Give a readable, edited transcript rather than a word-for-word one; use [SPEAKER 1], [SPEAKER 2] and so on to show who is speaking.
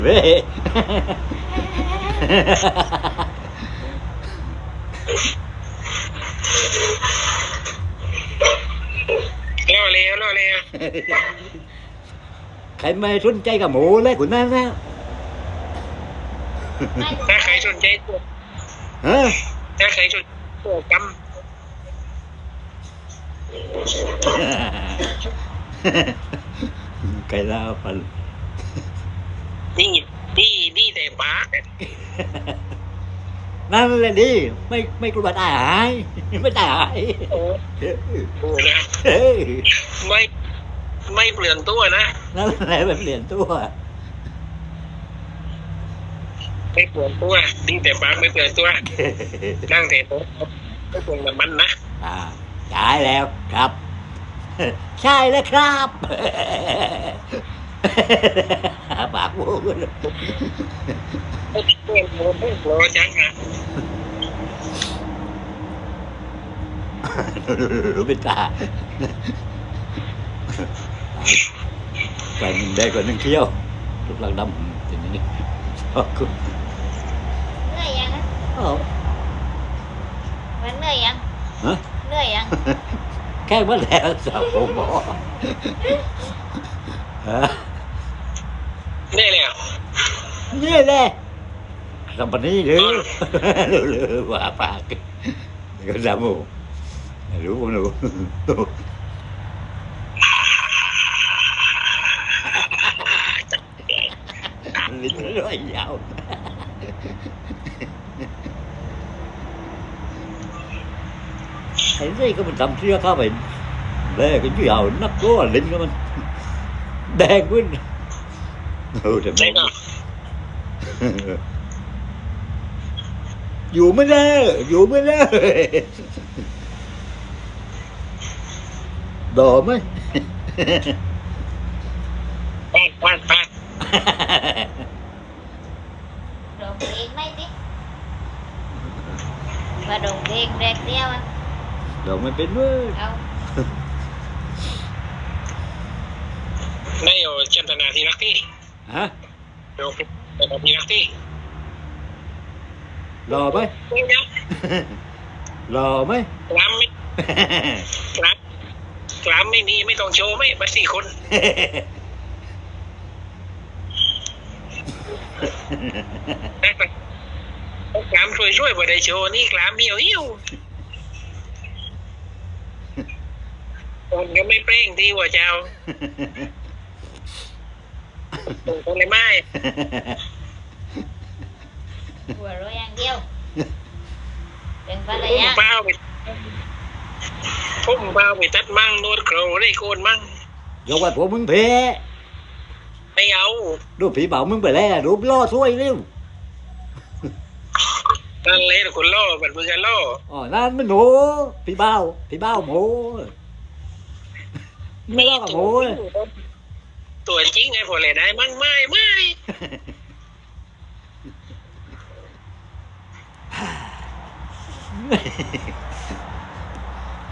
[SPEAKER 1] เว้ย
[SPEAKER 2] ล่อเลย
[SPEAKER 1] ใครไม่สนใจกับหมูเลยคุณนั่นนะ
[SPEAKER 2] ถ้าใครสนใจตัว
[SPEAKER 1] ฮะ
[SPEAKER 2] ถ้าใครสนตัวก
[SPEAKER 1] ไก่ลาวปัน
[SPEAKER 2] ำนี่แต่ปาก
[SPEAKER 1] นั่นแหละดิไม่กลัวตายหายไม่ตายหาย
[SPEAKER 2] โอ้นะ
[SPEAKER 1] เฮ้ย
[SPEAKER 2] ไม่เปลี่ยนตัวนะ
[SPEAKER 1] นั่นแหละมันเปลี่ยนตัว
[SPEAKER 2] ไม่เปลี่ยนตัวนี่แต่ปากไม่เปลี่ยนตัวนั่งแต่ตัวไม่เปลี่ยนแบบมันนะ
[SPEAKER 1] ใช่แล้วครับ ใช่แล้วครับปากบูด
[SPEAKER 2] ไม่เปลี่ยนตัวไม่โกรธจังนะ
[SPEAKER 1] รู้เป็นตาไปมึงได้กว่านึงเที่ยวลูกหลังดำอย่างนี้ขอบคุณ
[SPEAKER 3] เหนื่อยยังอะ
[SPEAKER 1] อ๋อ
[SPEAKER 3] มันเหนื่อยยัง
[SPEAKER 1] ฮะ
[SPEAKER 3] เหนื่อยยัง
[SPEAKER 1] แค่เมื่อแล้วสาวผมบอกฮะ
[SPEAKER 2] นี่แหละ
[SPEAKER 1] นี่แหละทำปนี้หรือว่าปากก็จำรู้ผมรู้ลิ้นร้อยยาวไอ้นี่ก็มันทำเสื้อเข้าไปแดงก็ยาวนักก็ลิ้นก็มันแดงขึ้นแต่
[SPEAKER 2] ใช่
[SPEAKER 1] ไม่
[SPEAKER 2] ก็
[SPEAKER 1] อยู่ไม่ได้อยู่ไม่ได้ดอไหม
[SPEAKER 2] ปาด
[SPEAKER 3] ร้องเพลงไหมสิมาร้องเพลงแรกเดียวอะ
[SPEAKER 1] ดอกไม่เป็นเว้ย
[SPEAKER 3] เอา
[SPEAKER 2] ได้อยู่เจตนาที่รักที่
[SPEAKER 1] ฮะ
[SPEAKER 2] โยมเจตนาที่รักที่
[SPEAKER 1] รอไหม
[SPEAKER 2] ไม่นะ
[SPEAKER 1] รอไหม
[SPEAKER 2] กล้ามไม่กล้ามไม่มีไม่ต้องโชว์ไม่มาสี่คนกล้ามช่วยบ่ได้โชว์นี่กล้ามเหี่ยวคนก็ไม่เปร่งที่หัวเจ้าคนเลยไม่
[SPEAKER 3] หัวเราะอย่างเดียว เป็นภรร
[SPEAKER 2] พุ่ม
[SPEAKER 3] ยา
[SPEAKER 2] เป้าไปตัดมั่งโนดโครได้โกนมั่ง
[SPEAKER 1] ยกว่าผมมึงเพ
[SPEAKER 2] ไม่เอา
[SPEAKER 1] ดูผีเบามึงไปแล้วรูปล่อช่วยเร็ว
[SPEAKER 2] นั่นเลยคนล่อบัดมือกันล่อ
[SPEAKER 1] อ๋อนั่นมันหมูผีเบาหมูไม่ล่อกับหมูเลย
[SPEAKER 2] ตัวจริงไงพอเลยได้มั่งไม่